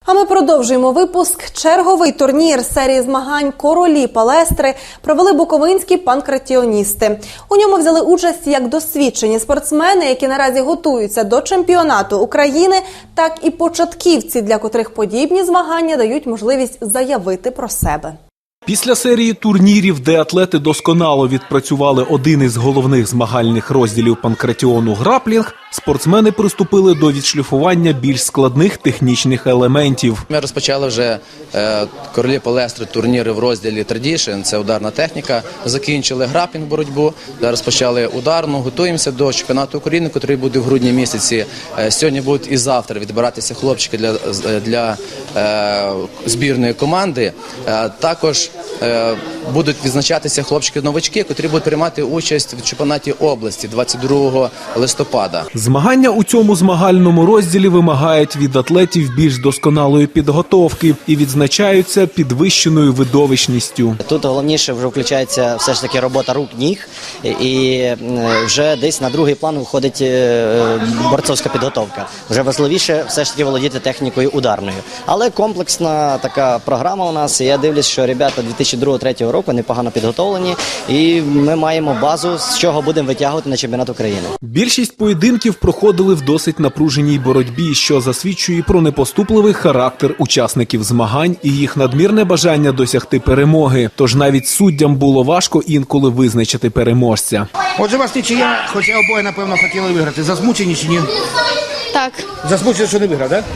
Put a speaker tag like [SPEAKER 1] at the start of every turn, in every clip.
[SPEAKER 1] А ми продовжуємо випуск. Черговий турнір серії змагань «Королі Палестри» провели буковинські панкратіоністи. У ньому взяли участь як досвідчені спортсмени, які наразі готуються до чемпіонату України, так і початківці, для котрих подібні змагання дають можливість заявити про себе.
[SPEAKER 2] Після серії турнірів, де атлети досконало відпрацювали один із головних змагальних розділів панкратіону – граплінг, спортсмени приступили до відшліфування більш складних технічних елементів.
[SPEAKER 3] Ми розпочали вже «Королі Палестри» турніри в розділі «Традішн», це ударна техніка. Закінчили граплінг боротьбу, розпочали ударну, готуємося до чемпіонату України, який буде в грудні місяці. Сьогодні будуть і завтра відбиратися хлопчики для збірної команди. Також будуть відзначатися хлопчики-новачки, які будуть приймати участь в чемпіонаті області 22 листопада.
[SPEAKER 2] Змагання у цьому змагальному розділі вимагають від атлетів більш досконалої підготовки і відзначаються підвищеною видовищністю.
[SPEAKER 4] Тут головніше вже включається все ж таки робота рук-ніг, і вже десь на другий план виходить борцовська підготовка. Вже важливіше все ж таки володіти технікою ударною. Але комплексна така програма у нас, і я дивлюсь, що ребята 2002-2003 року непогано підготовлені, і ми маємо базу, з чого будемо витягувати на чемпіонат України.
[SPEAKER 2] Більшість поєдинків проходили в досить напруженій боротьбі, що засвідчує про непоступливий характер учасників змагань і їх надмірне бажання досягти перемоги. Тож навіть суддям було важко інколи визначити переможця.
[SPEAKER 5] Отже, вас нічия, хоча обоє, напевно, хотіли виграти. Засмучені чи ні?
[SPEAKER 6] Так.
[SPEAKER 5] Засмучені, що не виграв, так?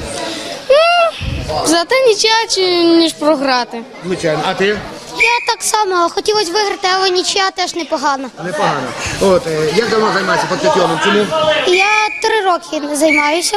[SPEAKER 6] Зате нічия, ніж програти.
[SPEAKER 5] Звичайно. А ти?
[SPEAKER 7] Я так само. Хотілося виграти, але нічия теж непогано.
[SPEAKER 5] Непогано. От, як давно займаєшся панкратіоном? Чому?
[SPEAKER 7] Я 3 роки займаюся.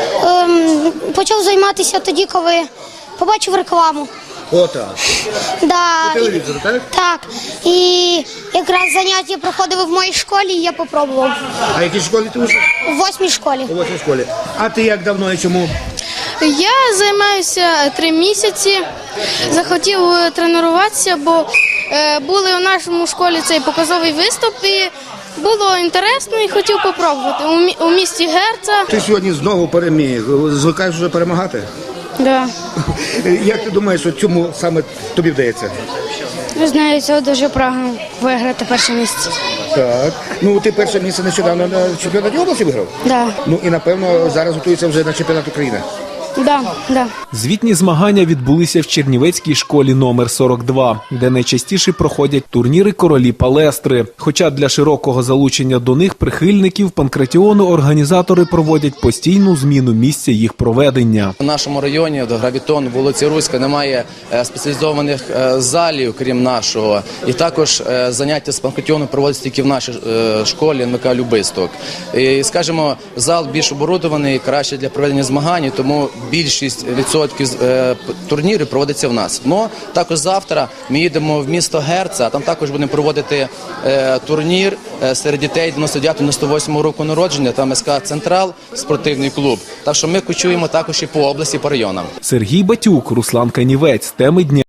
[SPEAKER 7] Почав займатися тоді, коли побачив рекламу.
[SPEAKER 5] Отак.
[SPEAKER 7] Да.
[SPEAKER 5] По телевізору, так?
[SPEAKER 7] Так. І якраз заняття проходили в моїй школі, і я попробував.
[SPEAKER 5] А в якій школі ти учиш?
[SPEAKER 7] У 8-й школі.
[SPEAKER 5] У 8-й школі. А ти як давно і чому?
[SPEAKER 6] Я займаюся 3 місяці, захотів тренуватися, бо були у нашому школі цей показовий виступ, і було інтересно і хотів попробувати у місті Герца.
[SPEAKER 5] Ти сьогодні знову переміг. Звикаєш вже перемагати?
[SPEAKER 6] Да.
[SPEAKER 5] Як ти думаєш, що чому саме тобі вдається?
[SPEAKER 6] Не знаю, цього дуже прагну виграти перше місце.
[SPEAKER 5] Так. Ну, ти перше місце нещодавно на чемпіонаті області виграв?
[SPEAKER 6] Да.
[SPEAKER 5] Ну і, напевно, зараз готується вже на чемпіонат України.
[SPEAKER 6] Да.
[SPEAKER 2] Звітні змагання відбулися в Чернівецькій школі номер 42, де найчастіше проходять турніри «Королі Палестри». Хоча для широкого залучення до них прихильників панкратіону організатори проводять постійну зміну місця їх проведення.
[SPEAKER 3] У нашому районі, до Гравітон, вулиці Руська, немає спеціалізованих залів, крім нашого. І також заняття з панкратіону проводяться тільки в нашій школі НВК «Любисток». І, скажімо, зал більш оборудований, краще для проведення змагань, тому більшість відсотків турнірів проводиться в нас. Но також завтра ми їдемо в місто Герца, а там також будемо проводити турнір серед дітей 99-98 року народження, там СК «Централ» спортивний клуб. Так що ми кочуємо також і по області, по районам.
[SPEAKER 2] Сергій Батюк, Руслан Канівець. Теми дня.